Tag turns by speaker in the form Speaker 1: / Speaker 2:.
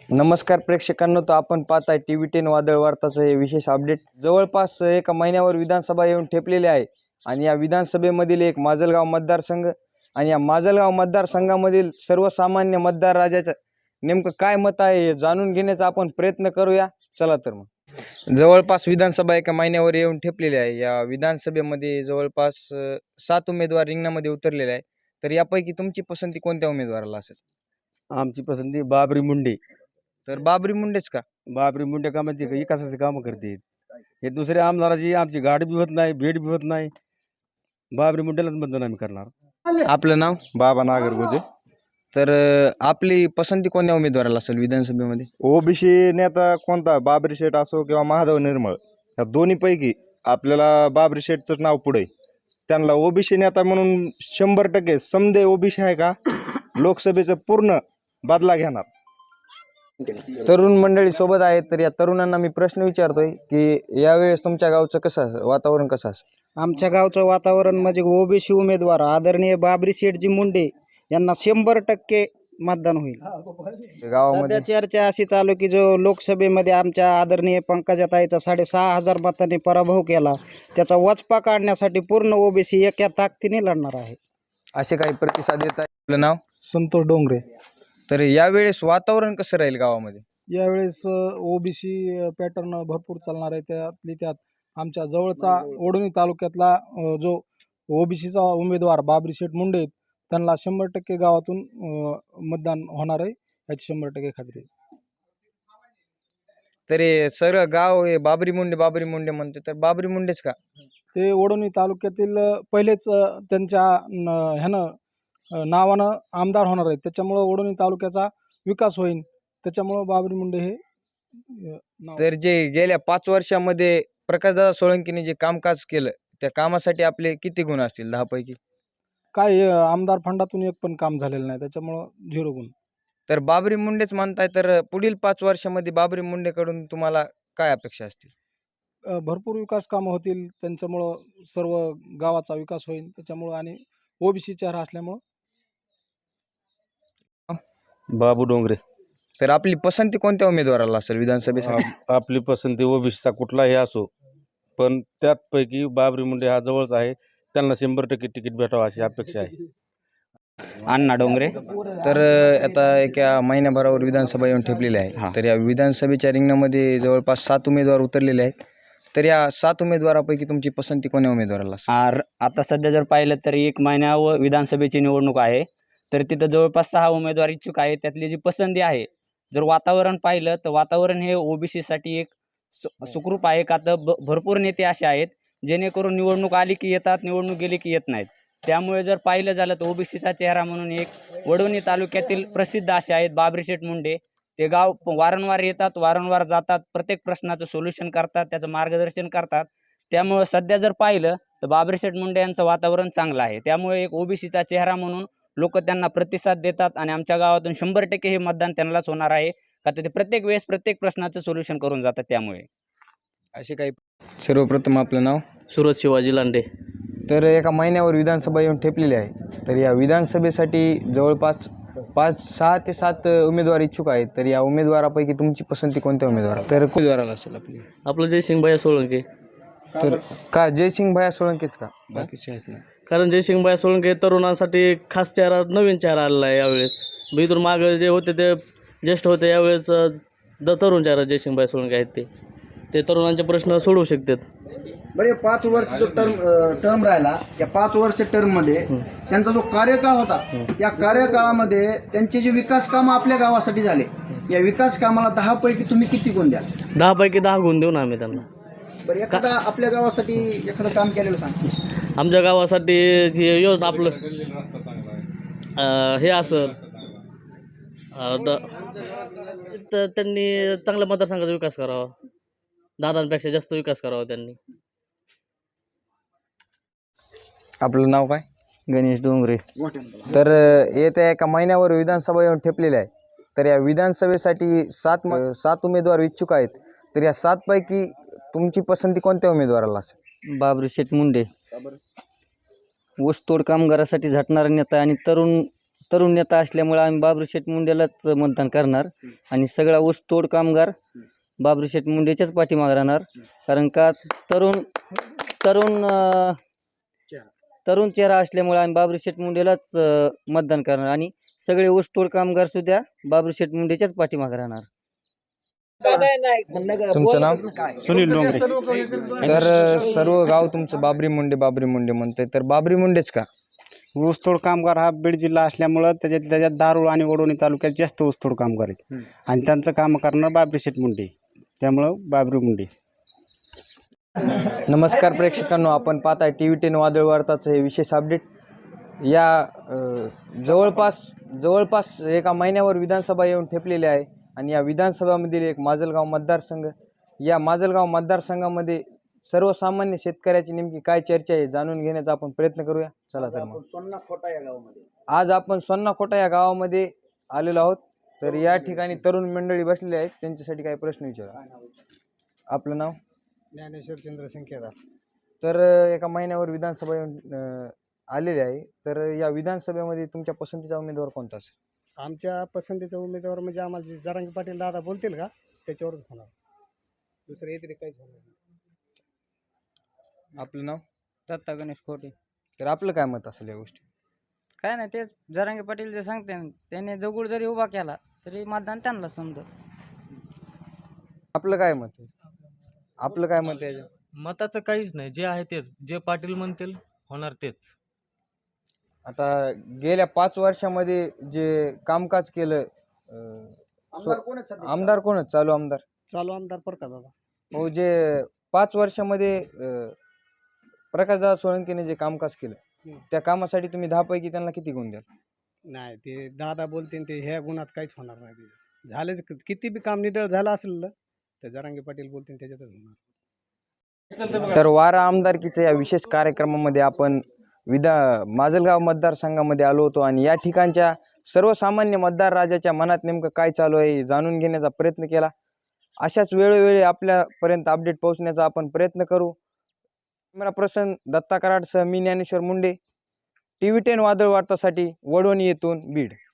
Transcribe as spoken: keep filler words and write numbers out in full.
Speaker 1: नमस्कार प्रेक्षकांनो, तर आपण पाहताय टी व्ही टेन वादळ वार्ताचं हे विशेष अपडेट. जवळपास एका महिन्यावर विधानसभा येऊन ठेपलेली आहे आणि या विधानसभेमधील एक माजलगाव मतदारसंघ आणि या माजलगाव मतदारसंघामधील सर्वसामान्य मतदार राजाचं नेमकं काय मत आहे हे जाणून घेण्याचा आपण प्रयत्न करूया. चला तर मग. जवळपास विधानसभा एका महिन्यावर येऊन ठेपलेली आहे. या विधानसभेमध्ये जवळपास अ, सात उमेदवार रिंगणामध्ये उतरलेले आहे. तर यापैकी तुमची पसंती कोणत्या उमेदवाराला असेल?
Speaker 2: आमची पसंती बाबरी मुंडे.
Speaker 1: तर बाबरी मुंडेच का?
Speaker 2: बाबरी मुंडे का म्हणते विकासाचे कामं करते. हे दुसऱ्या आमदाराची आमची गाडी बी होत नाही, भेट बी होत नाही. बाबरी मुंडेलाच मतदान आम्ही करणार.
Speaker 1: आपलं नाव?
Speaker 3: बाबा नागरगोजे.
Speaker 1: तर अ, आपली पसंती कोणत्या उमेदवाराला असेल विधानसभेमध्ये?
Speaker 3: ओबीसी नेता कोणता, बाबरी शेठ असो किंवा महादेव निर्मळ, या दोन्हीपैकी आपल्याला बाबरी शेठचं नाव पुढे. त्यांना ओबीसी नेता म्हणून शंभर टक्के समदे ओबीसी आहे का लोकसभेचं पूर्ण बदला घेणार.
Speaker 1: तरुण मंडळी सोबत आहेत, तर या तरुणांना मी प्रश्न विचारतोय की यावेळेस तुमच्या गावचं कसं असेल, वातावरण कसं असेल?
Speaker 4: आमच्या गावचं वातावरण म्हणजे ओबीसी उमेदवार आदरणीय बाबरी शेठजी मुंडे यांना शंभर टक्के मतदान होईल.
Speaker 1: गावामध्ये
Speaker 4: सध्या चर्चा अशी चालू की जो लोकसभेमध्ये आमच्या आदरणीय पंकजाताईचा साडेसहा हजार मतांनी पराभव केला, त्याचा वचपा काढण्यासाठी पूर्ण ओबीसी एका ताकदीने लढणार आहे.
Speaker 1: असे काही प्रतिसाद येत आहे. आपलं नाव?
Speaker 5: संतोष डोंगरे.
Speaker 1: तर यावेळेस वातावरण कसं राहील गावामध्ये?
Speaker 5: यावेळेस ओबीसी पॅटर्न भरपूर चालणार आहे. त्यातली त्यात आमच्या जवळचा ओढणी तालुक्यातला अ, जो ओबीसीचा उमेदवार बाबरी शेठ मुंडे आहेत, त्यांना शंभर टक्के गावातून अ, मतदान होणार आहे, याची शंभर टक्के खात्री आहे.
Speaker 1: तरी सर गाव हे बाबरी मुंडे बाबरी मुंडे म्हणते, तर बाबरी मुंडेच का?
Speaker 5: ते ओढणी तालुक्यातील अ, पहिलेच अ, त्यांच्या न- ह्यानं अ, नावानं आमदार होणार आहेत, त्याच्यामुळं ओढणी तालुक्याचा विकास होईल. त्याच्यामुळं बाबरी मुंडे हे अ, नाव.
Speaker 1: तर जे गेल्या पाच वर्षामध्ये प्रकाशदादा सोळंकीने जे कामकाज केलं, त्या कामासाठी आपले किती गुण असतील दहा पैकी?
Speaker 5: काय अ, आमदार फंडातून एक पण काम झालेलं नाही, त्याच्यामुळं झिरो गुण.
Speaker 1: तर बाबरी मुंडेच म्हणताय, तर पुढील पाच वर्षामध्ये बाबरी मुंडेकडून तुम्हाला काय अपेक्षा असतील?
Speaker 5: अ, भरपूर विकास कामं होतील त्यांच्यामुळं, सर्व गावाचा विकास होईल त्याच्यामुळं, आणि ओबीसी चेहरा असल्यामुळं.
Speaker 2: बाबू डोंगरे.
Speaker 1: तर आपली पसंती कोणत्या उमेदवाराला असेल विधानसभेसाठी?
Speaker 2: आप- आपली पसंती ओबीसीचा कुठलाही असो, पण त्यापैकी बाबरी मुंडे हा जवळच आहे. त्यांना शंभर टक्के तिकीट भेटावं अशी अपेक्षा आहे.
Speaker 6: अण्णा डोंगरे.
Speaker 1: तर अ, आता एका महिन्याभरावर विधानसभा येऊन ठेपलेली आहे. तर या विधानसभेच्या रिंगणामध्ये जवळपास सात उमेदवार उतरलेले आहेत. तर या सात उमेदवारापैकी तुमची पसंती कोण्या उमेदवाराला असेल?
Speaker 6: आर आता सध्या जर पाहिलं तर एक महिन्या व विधानसभेची निवडणूक आहे, तर तिथं जवळपास सहा उमेदवार इच्छुक आहेत. त्यातली जी पसंती आहे, जर वातावरण पाहिलं तर वातावरण हे ओबीसीसाठी एक सु सुखरूप आहे. का तर ब भरपूर नेते असे आहेत जेणेकरून निवडणूक आली की येतात, निवडणूक गेली की येत नाहीत. त्यामुळे जर पाहिलं झालं तर ओबीसीचा चेहरा म्हणून एक वडवणी तालुक्यातील प्रसिद्ध असे आहेत बाबरी शेठ मुंडे. ते गाव प- वारंवार येतात, वारंवार जातात, प्रत्येक प्रश्नाचं सोल्युशन करतात, त्याचं मार्गदर्शन करतात. त्यामुळं सध्या जर पाहिलं तर बाबरी शेठ मुंडे यांचं वातावरण चांगलं आहे. त्यामुळे एक ओबीसीचा चेहरा म्हणून लोक त्यांना प्रतिसाद देतात आणि आमच्या गावातून शंभर टक्के हे मतदान त्यांनाच होणार आहे. का तर ते प्रत्येक वेळेस प्रत्येक प्रश्नाचं सोल्युशन करून जातात. त्यामुळे
Speaker 1: असे काही. सर्वप्रथम आपलं नाव?
Speaker 7: सुरत शिवाजी लांडे.
Speaker 1: तर एका महिन्यावर विधानसभा येऊन ठेपलेली आहे. तर या विधानसभेसाठी जवळपास पाच सहा ते सात उमेदवार इच्छुक आहेत. तर या उमेदवारापैकी तुमची पसंती कोणत्या उमेदवार तर उमेदवाराला असेल आपली?
Speaker 7: आपलं जयसिंगभाई सोळंके.
Speaker 1: तर का जयसिंग भैया सोळंकेच का? बाकीचे आहेत ना?
Speaker 7: कारण जयसिंगभाई सोळंके तरुणांसाठी खास चेहरा, नवीन चेहरा आलेला आहे यावेळेस. मी इथून मागं जे होते ते ज्येष्ठ होते, यावेळेस अ, द तरुण चेहरा जयसिंगभाई सोळंके आहेत. ते ते तरुणांचे प्रश्न सोडवू शकतात.
Speaker 4: बरे पाच वर्ष जो टर्म टर्म राहिला, त्या पाच वर्ष टर्ममध्ये त्यांचा जो कार्यकाळ होता, त्या कार्यकाळामध्ये त्यांचे जे विकास कामं आपल्या गावासाठी झाले, या विकास कामाला दहा पैकी तुम्ही किती गुण द्या?
Speaker 7: दहा पैकी दहा गुण देऊ ना आम्ही त्यांना.
Speaker 4: बरं, एखादा आपल्या गावासाठी एखादं काम केलेलं सांग.
Speaker 7: आमच्या गावासाठी ही योजना आपलं अ, हे असं अ, द- तर त्यांनी चांगल्या मतदारसंघाचा विकास करावा, दादांपेक्षा जास्त विकास करावा त्यांनी.
Speaker 1: आपलं नाव काय?
Speaker 6: गणेश डोंगरे.
Speaker 1: तर अ, येत्या एका महिन्यावर विधानसभा येऊन ठेपलेली आहे. तर या विधानसभेसाठी सात म- सात उमेदवार इच्छुक आहेत. तर या सात पैकी तुमची पसंती कोणत्या उमेदवाराला असेल?
Speaker 6: बाबरी शेठ मुंडे. ऊसतोड कामगारासाठी झटणारा नेता आणि तरुण
Speaker 8: तरुण नेता असल्यामुळे आम्ही बाबरी शेठ मुंडेलाच मतदान करणार आणि सगळा ऊसतोड कामगार बाबरी शेठ मुंडेच्याच पाठीमागे राहणार. कारण का तरुण तरुण अं, तरुण चेहरा असल्यामुळे आम्ही बाबरी शेठ मुंडेलाच अं, मतदान करणार आणि सगळे ऊसतोड कामगार सुद्धा बाबरी शेठ मुंडेच्याच पाठीमागे राहणार.
Speaker 1: तुमचं नाव?
Speaker 9: सुनील डोंगरे.
Speaker 1: तर अ, सर्व गाव तुमचं बाबरी मुंडे बाबरी मुंडे म्हणतंय, तर बाबरी मुंडेच का?
Speaker 9: ऊसतोड कामगार हा बीड जिल्हा असल्यामुळं त्याच्यात त्याच्यात दारूळ आणि वडवणी तालुक्यात जास्त ऊसतोड कामगार आहेत आणि त्यांचं काम करणार बाबरी शेठ मुंडे, त्यामुळं बाबरी मुंडे.
Speaker 1: नमस्कार प्रेक्षकांनो, आपण पाहताय टी व्ही टेन वादळ वार्ताचं हे विशेष अपडेट. या अ, जवळपास जवळपास एका महिन्यावर विधानसभा येऊन ठेपलेली आहे आणि या विधानसभामधील एक माजलगाव मतदारसंघ, या माजलगाव मतदारसंघामध्ये सर्वसामान्य शेतकऱ्याची नेमकी काय चर्चा आहे जाणून घेण्याचा आपण प्रयत्न करूया. चला तर मग
Speaker 4: सोन्ना खोटा या गावामध्ये
Speaker 1: आज आपण सोन्नाखोटा या गावामध्ये आलेलो आहोत. तर या ठिकाणी तरुण मंडळी बसलेली आहेत, त्यांच्यासाठी काही प्रश्न विचारा. आपलं नाव?
Speaker 5: ज्ञानेश्वर चंद्रसिंग केदार.
Speaker 1: तर अ, एका महिन्यावर विधानसभा येऊन अ, आलेली आहे. तर या विधानसभेमध्ये तुमच्या पसंतीचा उमेदवार कोणता असेल?
Speaker 5: आमच्या पसंतीचा उमेदवार म्हणजे आम्हाला जे जरांगे पाटील दादा बोलतील का त्याच्यावरच होणार, दुसरं येते काहीच होणार नाही.
Speaker 1: आपलं नाव?
Speaker 6: दत्ता गणेश खोटे.
Speaker 1: तर आपलं काय मत असेल या गोष्टी?
Speaker 6: काय नाही, तेच जरांगे पाटील जे सांगते ना, त्याने दगड जरी उभा केला तरी मतदान त्यांना समजत.
Speaker 1: आपलं काय मत आहे? आपलं काय मत आहे?
Speaker 10: मताचं काहीच नाही, जे आहे तेच, जे पाटील म्हणतील होणार तेच.
Speaker 1: आता गेल्या पाच वर्षामध्ये जे कामकाज केलं अ,
Speaker 4: आमदार कोण आहेत सध्या?
Speaker 1: आमदार कोण आहेत? चालू आमदार
Speaker 5: चालू आमदार प्रकाश दादा.
Speaker 1: हो, जे पाच वर्षामध्ये अ, प्रकाशदादा सोळंकेने जे कामकाज केलं
Speaker 5: हम्म.
Speaker 1: त्या कामासाठी तुम्ही दहा पैकी त्यांना किती गुण द्याल?
Speaker 5: नाही, ते दादा बोलतील ते ह्या गुणात काहीच होणार नाही. ते झालेच, किती बी काम निडळ झालं असेल ना, तर जरांगे पाटील बोलतील त्याच्यातच होणार.
Speaker 1: तर वारा आमदारकीच्या या विशेष कार्यक्रमामध्ये आपण विधा माजलगाव मतदारसंघामध्ये आलो होतो आणि या ठिकाणच्या सर्वसामान्य मतदार राजाच्या मनात नेमकं काय चालू आहे हे जाणून घेण्याचा प्रयत्न केला. अशाच वेळोवेळी आपल्यापर्यंत अपडेट पोहोचण्याचा आपण प्रयत्न करू. कॅमेरा पर्सन दत्ता कराडसह मी Dnyaneshwar Munde, T V ten वादळ वार्तासाठी वडवणी येथून बीड.